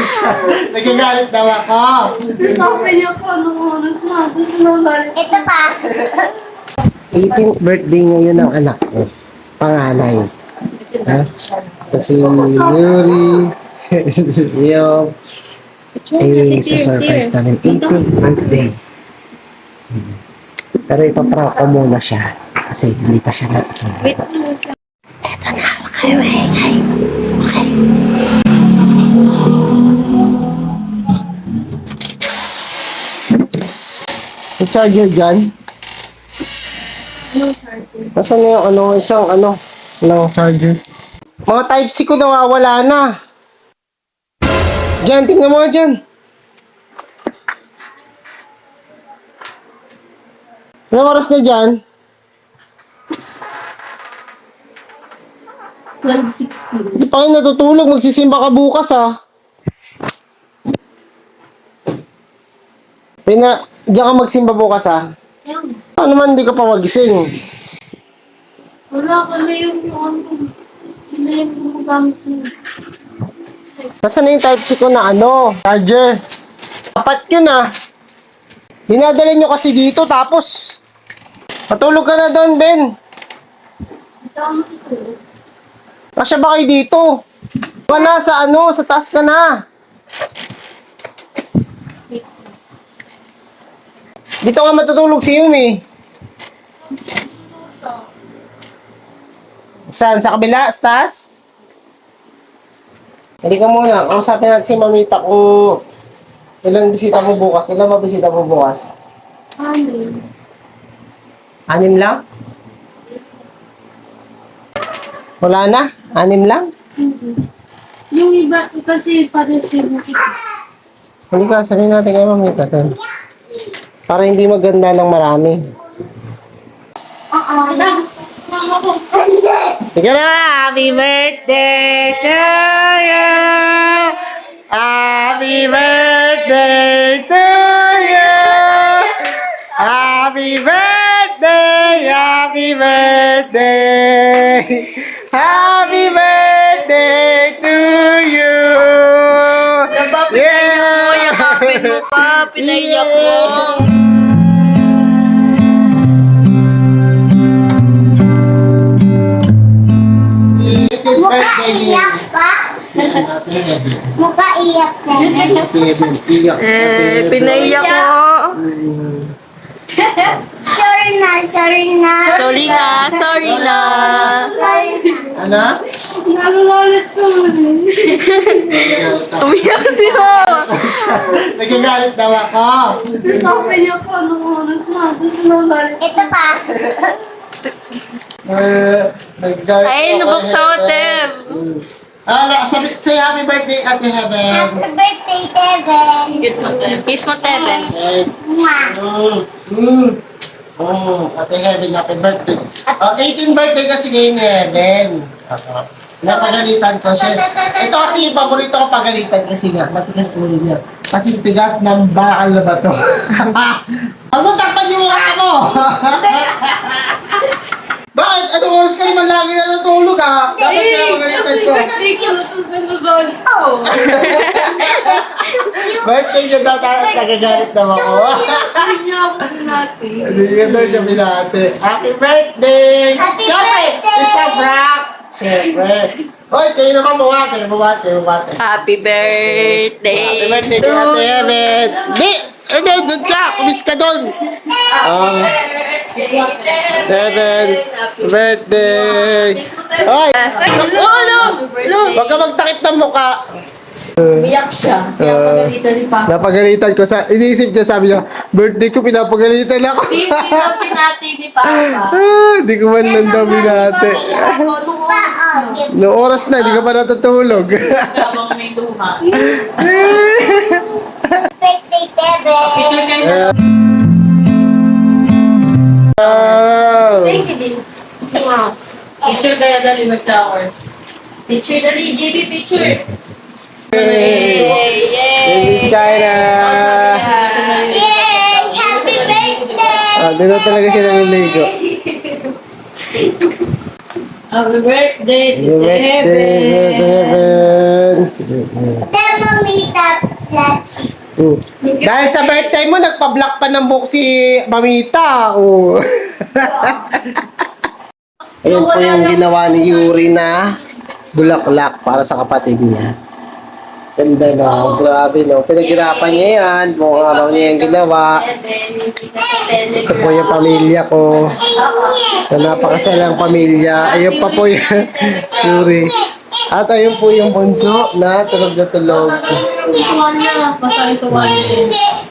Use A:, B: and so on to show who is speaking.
A: Nagagalit daw ako.
B: Sabi niya po, anong oras na? Tapos nagalit. Ito pa.
A: 18th birthday ngayon ng anak ko. Panganay. Ha? Kasi Yuri, yung surprise namin 18th birthday. Pero ipaprank ko muna siya kasi hindi pa siya natutulog. Eto na, okay. May charger dyan? Nasaan na yung isang charger? Mga Type-C ko nawawala na. Diyan, tingnan mo nga dyan. Anong oras na dyan?
B: 12:16.
A: Hindi pa kayo natutulog. Magsisimba ka bukas, ha? Diyan ka magsimba bukas, ha? Ano man, hindi ka pa magising.
B: Wala ka na yung ano. Sila yung gumagamit niya.
A: Nasaan na yung Type-C ko na charger? Apat yun, ah. Dinadala nyo kasi dito, tapos patulog ka na doon, Ben. Kasya ba kayo dito? Wala sa sa taas ka na. Dito nga matutulog si Yumi. Saan? Sa kabila? Sa taas? Hindi ka muna. Kausapin natin si Mamita kung ilang bisita mo bukas. Ilang mabisita mo bukas?
B: 6.
A: 6 lang? Wala na? 6 lang?
B: Yung iba kasi para siya makita.
A: Hindi ka, sabihin natin kay Mamita doon. Para hindi maganda ng marami.
B: Mama ko.
A: Ika na! Happy birthday to you! Happy birthday to you! Happy birthday! Happy birthday! Happy birthday to you!
C: Diba, pinaiyak mo, yakapin mo pa, pinaiyak mo.
A: Mukha iyak
B: pa? Mukha iyak na.
C: Pinaiyak mo.
B: Sorry na.
C: Sorry na.
A: Ano?
B: Nalalalit ko.
C: Umiyak si Mama.
A: Nagagalit daw ako.
B: Sabi niya po, anong oras na? Tapos nagalit. Ito pa.
A: Nagagalit
C: Ay,
A: ako.
C: nabok sa hotel.
A: Say happy birthday, Ate Heaven.
B: Happy birthday, Kevin.
C: Kiss mo, Teben.
A: Ate Heaven, happy birthday. 18th birthday kasi ngayon ni Heaven. Napagalitan ko siya. Ito kasi yung paborito ko pagalitan kasi nga, matigas ulo niya. Kasi tigas ng bakal na bato. Ang takpan yung mukha mo! Bakit? Anong oras ka naman lagi na natulog, ha? Dapat kaya magalitan ko.
C: birthday ko, tapos nagagalit ako.
A: Birthday niya daw, tapos nagagalit naman ako.
C: Hindi niya ako natin.
A: Hindi ka daw siya binati. Happy birthday!
B: Happy
A: Siyempre,
B: birthday!
A: isa prank! Siyempre. Oy, kayo naman bumati.
C: Happy birthday
A: Happy birthday
C: to
A: kay Ate
C: you.
A: Heaven. Hindi, doon ka. Kumis ka doon. Heaven, birthday. Oy, wag ka magtakip ng mukha.
C: Umiyak siya. Pinapagalitan ni Papa.
A: Napagalitan ko sa, iniisip niya, sabi niya, birthday ko, pinapagalitan ako.
C: Hindi na pinati ni Papa.
A: Hindi ko man lang daw binati.
C: Papa, nung oras na.
A: No oras na, hindi ka pa natutulog.
C: Habang may luha.
B: Birthday, Kevin.
C: Picture kayo.
A: Wow.
C: Thank you, din. Wow. Picture kaya dali mag-towers. Picture dali, JB picture. Yay!
A: Baby China.
B: Yay! Happy birthday!
A: Dito talaga siya naliligo.
C: Happy birthday
A: Happy birthday, Heaven.
B: Tell
D: Mamita Plachi.
A: Dahil sa birthday mo, nagpa-block pa ng book si Mamita. Oh. Ayun po yung ginawa ni Yuri na bulaklak para sa kapatid niya. Ganda no, grabe no. Pinaghirapan niya yan. Buong araw niya yung ginawa. Ito po yung pamilya ko. Na napakasalang pamilya. Ayun pa po yung Yuri. At ayun po yung bunso na tulog na tulog.
C: Tuwan niya. Basta yung tuwan niya.